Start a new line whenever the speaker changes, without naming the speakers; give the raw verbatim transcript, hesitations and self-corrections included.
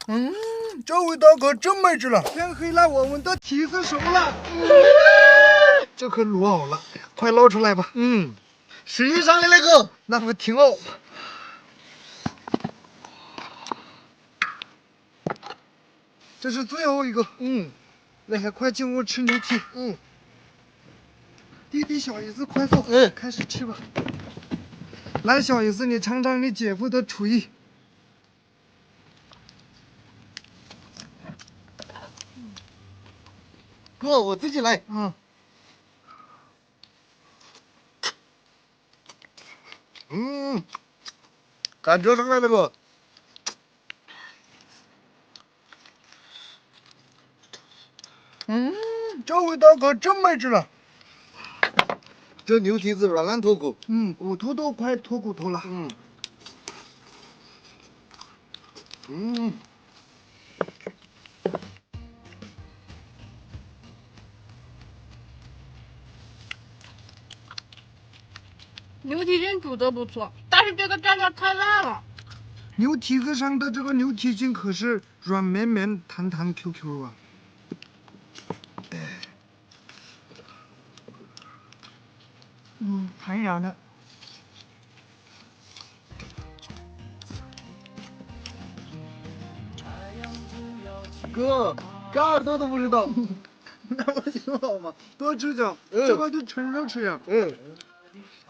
嗯，这味道可真没治了。天黑了，我们的蹄子熟了。这可卤好了，快捞出来吧。
嗯，实际上的那个，
那不挺好？这是最后一个。
嗯，
来，快进屋吃牛蹄。
嗯，
弟弟小姨子，快坐。
嗯，
开始吃吧。来，小姨子，你尝尝你姐夫的厨艺。
哥，我自己来。
嗯。
嗯，感觉上来那个，
嗯，这味道可真没治了。
这牛蹄子软烂脱骨。
嗯，骨头都快脱骨头了。
嗯，嗯。
牛蹄筋煮的不错，但是这个蘸料太辣了。
牛蹄子上的这个牛蹄筋可是软绵绵、弹弹 Q Q 啊！嗯，弹牙的。
哥，这耳朵都不知道。
那不挺好吗？多吃点，
嗯、
这个就纯肉吃呀。
嗯。